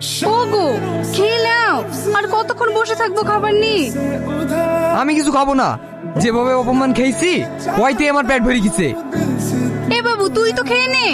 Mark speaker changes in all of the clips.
Speaker 1: ওগো খেয়ে নাও, আর কতক্ষণ বসে থাকবো খাবার নিয়ে?
Speaker 2: আমি কিছু খাবো না, যেভাবে অপমান খেয়েছি ওইতে আমার পেট ভরে গেছে।
Speaker 1: এ বাবু তুই তো খেয়ে নে।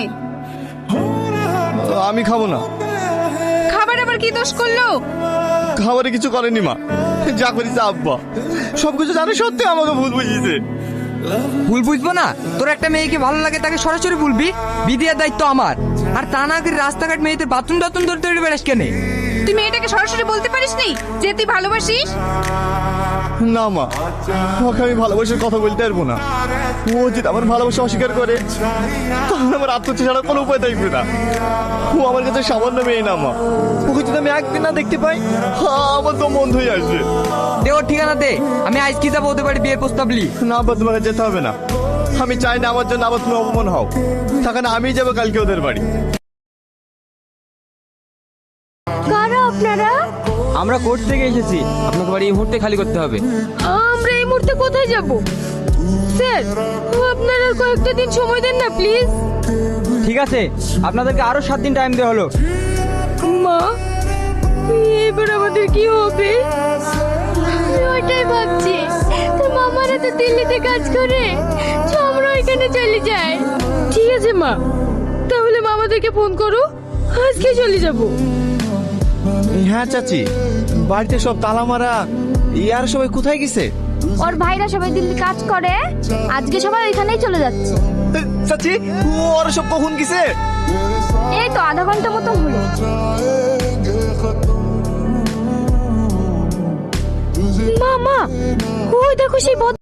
Speaker 3: আমি খাবো না।
Speaker 1: খাবার আবার কি দোষ করলো?
Speaker 3: খাবারে কিছু করেনি মা, যা করেছে আব্বা। সবকিছু জানে সত্যি আমাকে ভুল বুঝিয়েছে।
Speaker 2: ভুল বুঝবো না? তোর একটা মেয়েকে ভালো লাগে তাকে সরাসরি বলবি, বিদিয়ার দায়িত্ব আমার। আর তা না করে রাস্তাঘাট মেয়েদের বাথরুম টাথরুম ধরে ধরে বেড়াস কেন?
Speaker 1: তুই মেয়েটাকে সরাসরি বলতে পারিসনি যে তুই ভালোবাসিস?
Speaker 3: না মা, ওকে আমি ভালোবাসার কথা বলতে পারবো না। ও যদি আমার ভালোবাসা অস্বীকার করে তাহলে আমার আত্মহত্যা ছাড়া কোনো উপায় থাকবে না। ও আমার কাছে সামান্য মেয়ে না মা, ওকে যদি আমি একদিন না দেখতে পাই আমার তো মন হয়ে আসবে।
Speaker 2: দে ওর ঠিকানা দে, আমি আজ কি যাবো ওদের বাড়ি বিয়ের প্রস্তাব লি।
Speaker 3: না আব্বা, তোমাকে যেতে হবে না। আমি চাই না আমার জন্য আবার তুমি অপমান হও। তখন আমি যাবো কালকে ওদের বাড়ি।
Speaker 1: কারা আপনারা?
Speaker 4: আমরা কোর্ট থেকে এসেছি, আপনাকে বাড়ি এই মুহূর্তে খালি করতে হবে।
Speaker 1: আমরা এই মুহূর্তে কোথায় যাব? স্যার আপনারা কয়েকটা দিন সময় দেন না প্লিজ।
Speaker 4: ঠিক আছে, আপনাদেরকে আরো 7 দিন টাইম দেওয়া হলো।
Speaker 1: মা, এবার আমাদের কি হবে? ওইটাই ভাবছি, তোর মামারা তো দিল্লিতে কাজ করে, তো আমরা ওইখানে চলে যাই। ঠিক আছে মা, তাহলে মামাদেরকে ফোন করো, আজকে চলে যাব।
Speaker 3: হ্যাঁ চাচি, বাড়িতে সব তালা মারা। ইয়ার সবাই কোথায় গেছে?
Speaker 5: ওর ভাইরা সবাই দিল্লি কাজ করে, আজকে সবাই ওইখানেই চলে যাচ্ছে।
Speaker 3: চাচি, ওরা সব কখন গেছে?
Speaker 5: এই তো আধা ঘন্টা মতো হলো।
Speaker 1: মামা, ওই দেখো সেই